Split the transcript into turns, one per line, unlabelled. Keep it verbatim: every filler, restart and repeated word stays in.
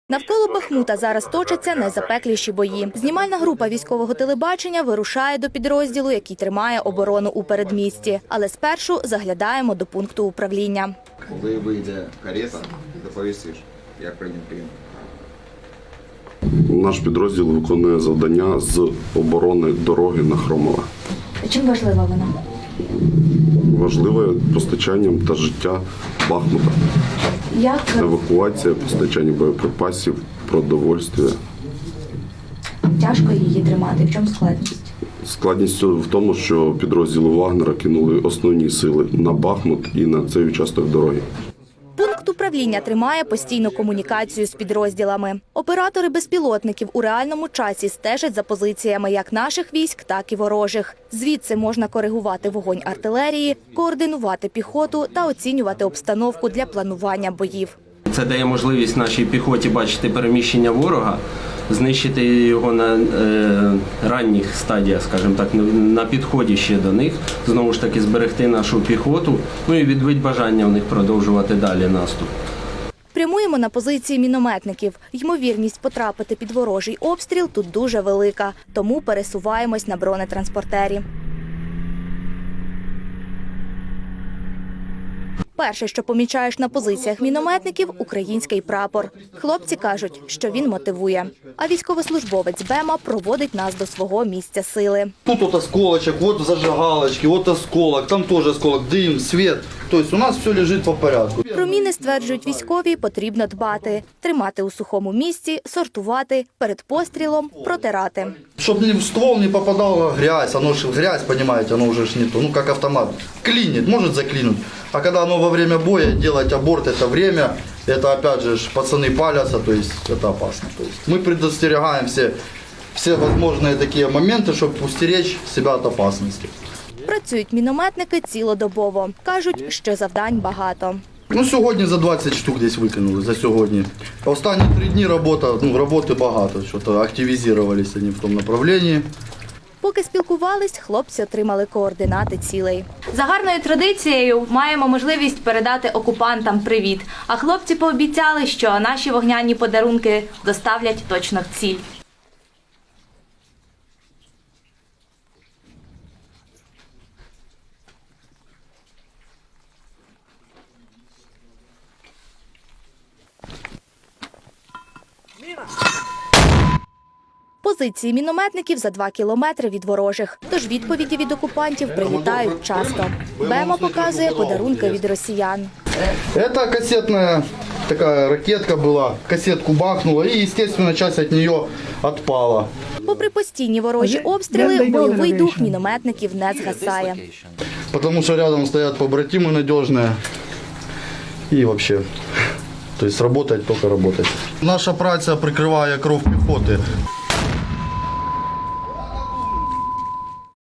Навколо Бахмута зараз точаться найзапекліші бої. Знімальна група військового телебачення вирушає до підрозділу, який тримає оборону у передмісті. Але спершу заглядаємо до пункту управління.
Коли вийде карета, доповістиш, як прийняв прийом.
Наш підрозділ виконує завдання з оборони дороги на Хромове.
Чим важлива вона?
Важливе постачанням та життя Бахмута.
Як?
Евакуація, постачання боєприпасів, продовольствя.
Тяжко її тримати? В чому складність?
Складність в тому, що підрозділи Вагнера кинули основні сили на Бахмут і на цей участок дороги.
Пункт управління тримає постійну комунікацію з підрозділами. Оператори безпілотників у реальному часі стежать за позиціями як наших військ, так і ворожих. Звідси можна коригувати вогонь артилерії, координувати піхоту та оцінювати обстановку для планування боїв.
Це дає можливість нашій піхоті бачити переміщення ворога, знищити його на е, ранніх стадіях, скажімо так, на підході ще до них, знову ж таки зберегти нашу піхоту, ну і відбити бажання в них продовжувати далі наступ.
Прямуємо на позиції мінометників. Ймовірність потрапити під ворожий обстріл тут дуже велика, тому пересуваємось на бронетранспортері. Перше, що помічаєш на позиціях мінометників – український прапор. Хлопці кажуть, що він мотивує. А військовослужбовець БЕМа проводить нас до свого місця сили.
Тут вот осколочек, вот зажигалочки, вот осколок, там тоже осколок, дым, свет. То есть у нас все лежит по порядку.
Про міни, стверджують військові, потрібно дбати. Тримати у сухому місці, сортувати, перед пострілом протирати.
Чтобы в ствол не попадала грязь, оно же грязь, понимаете, оно уже ж не то, ну как автомат. Клинит, может заклинуть. А когда оно во время боя, делать аборт это время, это опять же пацаны палятся, то есть это опасно. То есть мы предостерегаем все, все возможные такие моменты, чтобы устеречь себя от опасности.
Працюють мінометники цілодобово. Кажуть, що завдань багато.
Ну, сьогодні за двадцять штук десь викинули, за сьогодні. Останні три дні робота, ну, роботи багато, що-то активізувалися вони в тому направленні.
Поки спілкувались, хлопці отримали координати цілей. За гарною традицією маємо можливість передати окупантам привіт. А хлопці пообіцяли, що наші вогняні подарунки доставлять точно в ціль. Позиції мінометників за два кілометри від ворожих. Тож відповіді від окупантів прилітають часто. БЕМа показує подарунки від росіян.
Це касетна така ракетка була, касетку бахнула і, звісно, часть від неї відпала.
Попри постійні ворожі обстріли, бойовий дух мінометників не згасає.
Тому що рядом стоять побратими надіжні і взагалі. Тобто працювати, тільки працювати. Наша праця прикриває кров піхоти.